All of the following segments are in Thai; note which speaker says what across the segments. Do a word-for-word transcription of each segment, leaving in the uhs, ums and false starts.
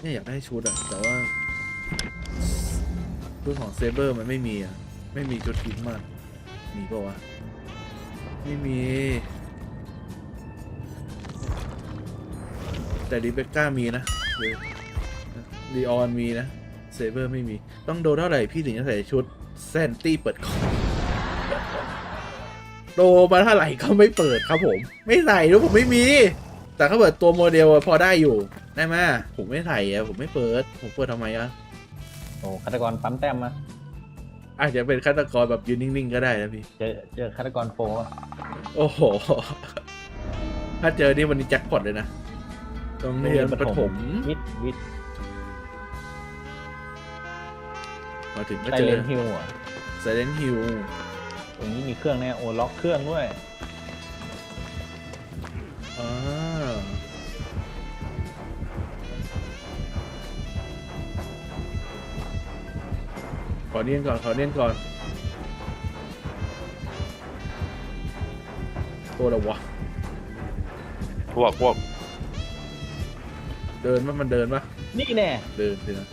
Speaker 1: เนี่ยอยากได้ชุดอะแต่ว่าชุดของเซเบอร์มันไม่มีอะไม่มีชุดทิ้งมากมีปะวะไม่มีแต่ดิเบคก้ามีนะลีออนมีนะเซเบอร์ไม่มีต้องโดนเท่าไหร่พี่ถึงจะใส่ชุดแซนตี้เปิดคอโดมาเท่าไหร่ก็ไม่เปิดครับผมไม่ใส่ด้วยผมไม่มีแต่ถ้าเปิดตัวโมเดลพอได้อยู่ได้ไหมผมไม่ใส่อะผมไม่เปิดผมเปิดทำไมอะ
Speaker 2: โอ้ฆาตกรปั๊มแต้มมา
Speaker 1: อาจจะเป็นฆาตกรแบบยืนนิ่งๆก็ได้นะพี่
Speaker 2: เจอเจอฆาตกรโฟร์
Speaker 1: โอ้โหถ้าเจอนี่วันนี้แจ็คพอตเลยนะตรงเรียนประถม
Speaker 2: วิทย์วิทย์
Speaker 1: มาถึงก็
Speaker 2: ไซ
Speaker 1: เจอ
Speaker 2: เลนฮิลอ่ะ
Speaker 1: ไซเลนฮิล
Speaker 2: ตรงนี้มีเครื่องแน่โอ้ล็อกเครื่องด้วย
Speaker 1: อ่าขอเนียนก่อนขอเนียนก่อนตัวอะไรวะ
Speaker 3: พวกพวก
Speaker 1: เดินปะมันเดินปะ
Speaker 2: นี่แน่
Speaker 1: เดินสินะ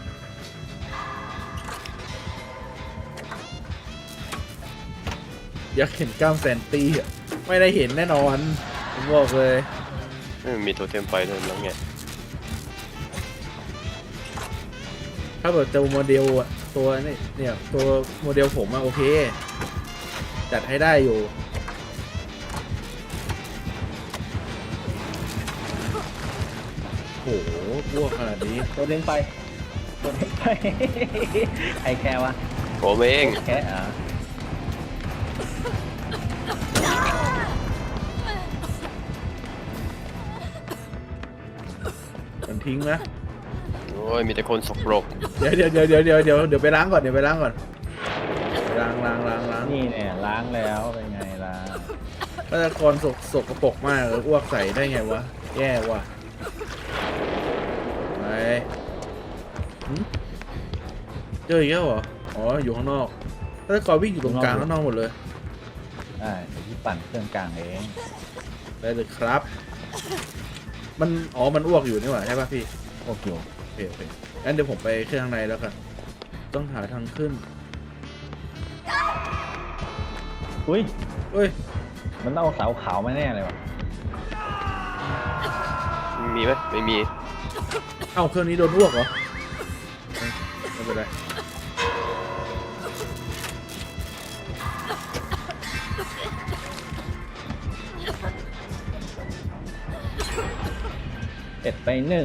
Speaker 1: อยากเห็นกล้ามแซนตี้อ่ะไม่ได้เห็นแน่นอนผมบอกเลย
Speaker 3: มีตัวเทมไฟด้วยแล้วไง
Speaker 1: ถ้าแบบเจอโมเดลอ่ะตัวนี่เนี่ยตัวโมเดลผมอะโอเคจัดให้ได้อยู่โอ้โหพวกขนาดนี้
Speaker 2: ตัวเด้งไปตัวเด้งไปไอแค่วะ
Speaker 3: ผมเอง
Speaker 2: แค่อ่ะ
Speaker 1: มันทิ้งนะ
Speaker 3: โอ้ยมีแต่คนสกปรก
Speaker 1: เดี๋ยวเดี๋ยวเดี๋ยวเดี๋ยวเดี๋ยวเดี๋ยวเดี๋ยวไปล้างก่อนเดี๋ยวไปล้างก่อนล้างล้างล้างล้าง
Speaker 2: นี่เนี่ยล้างแล้วเป็นไงล่ะ
Speaker 1: ฆาตกรสกสกปรกมากเลยอ้วกใส่ได้ไงวะแย่ว่ะไปเจออีกแล้วเหรออ๋ออยู่ข้างนอกฆาตกรวิ่งอยู่ตรงกลางข้างนอกหมดเลย
Speaker 2: ได้เดี๋ยวที่ปั่นเครื่องกลางเอง
Speaker 1: ได้เลยครับมันอ๋อมันอ้วกอยู่นี่หว่าใช่ป่ะพี่
Speaker 2: โอเค
Speaker 1: โอเคโอเคงั้นเดี๋ยวผมไปเครื่องข้างในแล้วกันต้องหาทางขึ้น
Speaker 2: อุ้ย
Speaker 1: อุ้ย
Speaker 2: มันต้องเอาเสาขาวมาแน่เลยวะ
Speaker 3: มีไหมไม่มี
Speaker 1: เอ้าเครื่องนี้โดนอ้วกเหรอไม่เป็นไร
Speaker 2: เอ็ดไปหนึ่ง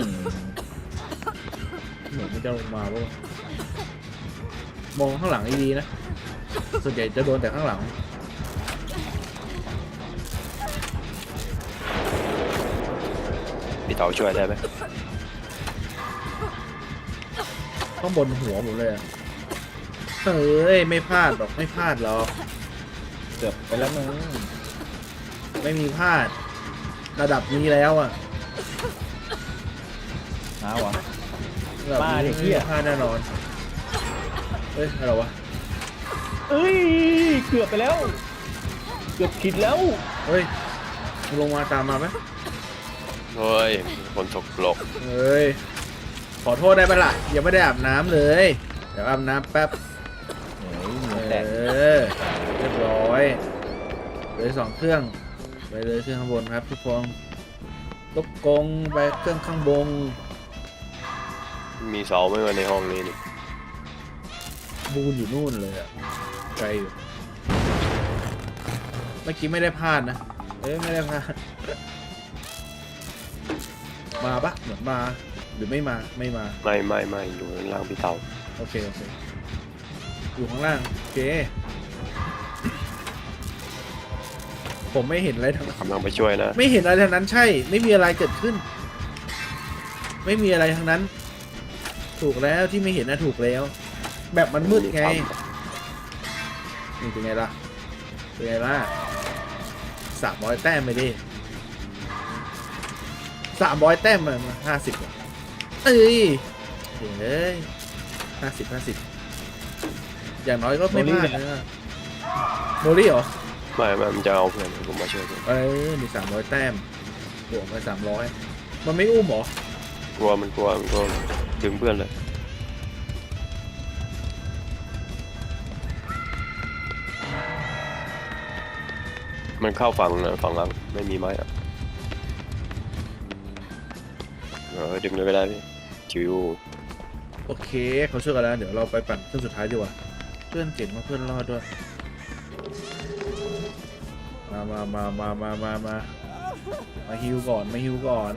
Speaker 1: เหมือนมันจะลงมาป่ะมองข้างหลังดีๆนะส่วนใหญ่จะโดนแต่ข้างหลัง
Speaker 3: พี่เต๋าช่วยได้ไหม
Speaker 1: ข้างบนหัวผมเลยเฮ้ยไม่พลาดหรอกไม่พลาดหรอก
Speaker 2: เกือบไปแล้วมึง
Speaker 1: ไม่มีพลาดระดับนี้แล้วอ่ะ
Speaker 2: น้าวะ
Speaker 1: บ้าดิพี่พลาดแน่นอนเฮ้ยอะไรวะ
Speaker 2: เอ้ยเกือบไปแล้วเกือบผิดแล้ว
Speaker 1: เฮ้ยลงมาตามมาไหม
Speaker 3: เฮ้ยคนสกปรก
Speaker 1: เฮ้ยขอโทษได้ปะล่ะยังไม่ได้อาบน้ำเลยเดี๋ยวอาบน้ำแป๊บเออเรียบร้อยเลยสองเครื่องไปเลยเครื่องข้างบนครับทุกคนลบกงไปเครื่องข้างบน
Speaker 3: มีเสาไหมวะในห้องนี้นี่
Speaker 1: บูนอยู่นู่นเลยอะไกลอยู่เมื่อกี้ไม่ได้พลาดนะเอ้ยไม่ได้พลาดมาปะเหมือนมาหรือไม่มาไม่มา
Speaker 3: ไม่ไม่ไม่อยู่ข้างล่างพี่เต๋า
Speaker 1: โอเคโอเคอยู่ข้างล่างโอเคผมไม่เห็นอะไรทั้งนั้น
Speaker 3: กำลังไปช่วยนะ
Speaker 1: ไม่เห็นอะไรทั้งนั้นใช่ไม่มีอะไรเกิดขึ้นไม่มีอะไรทั้งนั้นถูกแล้วที่ไม่เห็นนะถูกแล้วแบบมันมืดไงนี่เป็นไงล่ะเป็นไงล่ะสามร้อยแต้มไปดิสามร้อยแต้มมันห้าสิบเอ้ยเฮ้ยห้าสิบห้าสิบอย่างน้อยก็ไม่พลาดนะโมลี่เหรอ
Speaker 3: ไม่ไม่มันจะเอาเพื่อนผมมาช่วยกัน
Speaker 1: เอ้ยมีสามร้อยแต้มบวกไปสามร้อยมันไม่อุ้มเหรอ
Speaker 3: กลัวมันกลัวมันกลัวดึงเพื่อนเลยมันเข้าฝั่งนะฝั่งหลังไม่มีไม้อะเออดึงเลยก็ได้พี่ชิว
Speaker 1: โอเคเขาช่วยกันแล้วเดี๋ยวเราไปปั่นเครื่องสุดท้ายดีกว่าเพื่อนเก่งมากเพื่อนรอดด้วยมามามามามามามามาฮิวก่อนมาฮิวก่อน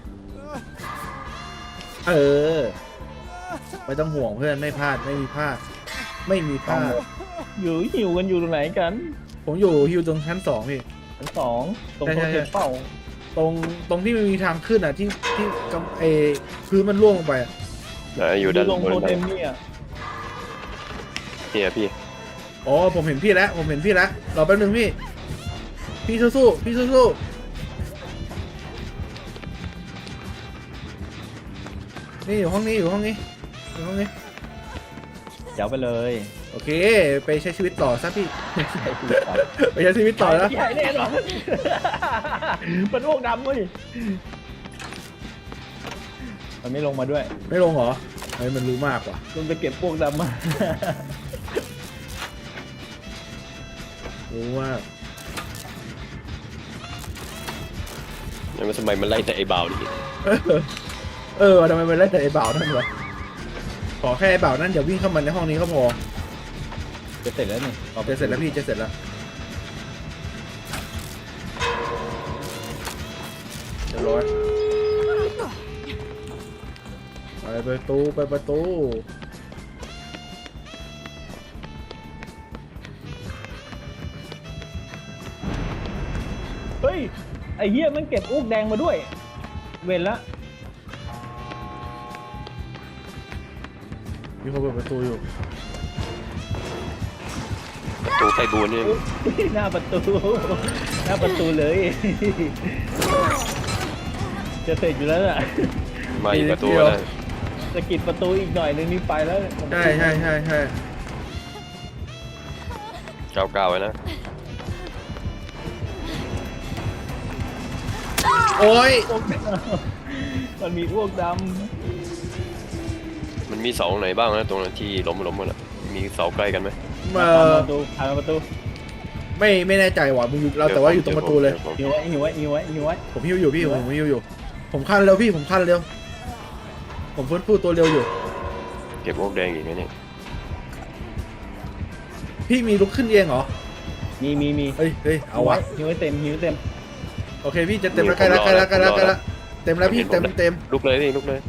Speaker 1: เออไม่ต้องห่วงเพื่อนไม่พลาดไม่มีพลาดไม่มีพลาด
Speaker 2: อยู่หิวกันอยู่ตรงไหนกัน
Speaker 1: ผมอยู่ฮิวตรงชั้นสองพี่
Speaker 2: ชั้นสองตรง
Speaker 1: ใช่
Speaker 2: โต๊ะ
Speaker 1: ใช่
Speaker 2: เทปเป้า
Speaker 1: ตรงตรงที่มันมีทางขึ้นอ่ะที่ที่กำเอพื้นมันร่วงลงไปอ่ะ
Speaker 3: ไหนอยู่ด้าน
Speaker 2: ลง
Speaker 3: บน
Speaker 2: โท
Speaker 3: ไหน
Speaker 2: เทมเนี่ย
Speaker 3: เนี่ยพี่
Speaker 1: อ๋อผมเห็นพี่แล้วผมเห็นพี่แล้วรอแป๊บนึงพี่พี่สู้ๆพี่สู้ๆนี่อยู่ห้องนี้อยู่ห้องนี้อยู่ห้องนี้
Speaker 2: เดี๋ยวไปเลย
Speaker 1: โอเคไปใช้ชีวิตต่อซะพี่
Speaker 2: ใช่คือต่อ
Speaker 1: ไปใช้ชีวิตต่อแล้ว
Speaker 2: ใหญ่แน่นอนมันอ้วกดำเว้ยมันไม่ลงมาด้วย
Speaker 1: ไม่ลงเหรอเฮ้ยมันรู้มากว่ะ
Speaker 2: มันไปเก็บพวกดำมา
Speaker 1: รู้มาก
Speaker 3: แล้วมันทำไมมันไล่แต่ไอ้เบาดิ
Speaker 1: เออเออทำไมมันไล่แต่ไอ้บ่าวนั่นวะขอแค่ไอ้บ่าวนั่นอย่าวิ่งเข้ามาในห้องนี้ก็พอ
Speaker 2: จะเสร็จแล้วนี่
Speaker 1: จะเสร็จแล้วพี่จะเสร็จแล้วเรียบร้อยไปประตูไปประตู
Speaker 2: เฮ้ยไอ้เหี้ยมันเก็บอ้วกแดงมาด้วย เว้นละ
Speaker 1: มีคนเปิดประตูอยู่
Speaker 3: ตัวไฟบูนนี่
Speaker 2: หน้าประตู หน้าประตูเลย จะเสร็จอยู่แล้วน่ะ
Speaker 3: มาอีกประตูนะ
Speaker 2: สะกิดประตูอีกหน่อยนึงนี่ไปแล้ว
Speaker 1: ใช่ใช่ใช่ใช่
Speaker 3: เก้าเก้าไว้นะ
Speaker 1: โอ้ย
Speaker 2: อ้วกดำมันมีอ้วกด
Speaker 3: มันมีเสาไหนบ้างนะตรงนั้นที่ล้มล้มกันอะมีเสาใกล้กันไหม
Speaker 2: ำ
Speaker 1: มา
Speaker 2: ประตูผ่านประตู
Speaker 1: ไม่ไม่แน่ใจว่ะมึงอยู่เราแต่ว่าอยู่ตรงประตูเลย
Speaker 2: หิวไว้หิวไว้หิวไว้หิวไว้
Speaker 1: ผมหิวอยู่พี่ผมหิวอยู่ ผมคันเร็วพี่ผมคันเร็ว ผมฟื้นฟูตัวเร็วอยู่
Speaker 3: เก็บพวกแดงอีกไหมเนี่ย
Speaker 1: พี่มีลุกขึ้นเองเหรอ
Speaker 2: มีมีมี
Speaker 1: เฮ้ยเฮ้ยเอาวะ
Speaker 2: หิวไว้เต็มหิวไว้เต็ม
Speaker 1: โอเคพี่จะเต็มแล้วใกล้แล้วใกล้แล้วใกล้แล้วใกล้แล้วเต็มแล้วพี่เต็มเต็ม
Speaker 3: ลุกเลยพี่ลุกเลย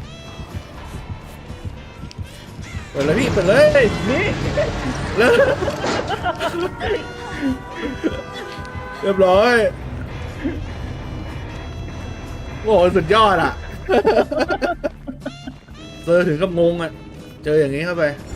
Speaker 1: เปิดเลยพี่เปิดเลย
Speaker 2: นี่
Speaker 1: เร็วเรียบร้อยโอ้โหสุดยอดอ่ะเจอถึงกับงงอ่ะเจออย่างนี้เข้าไป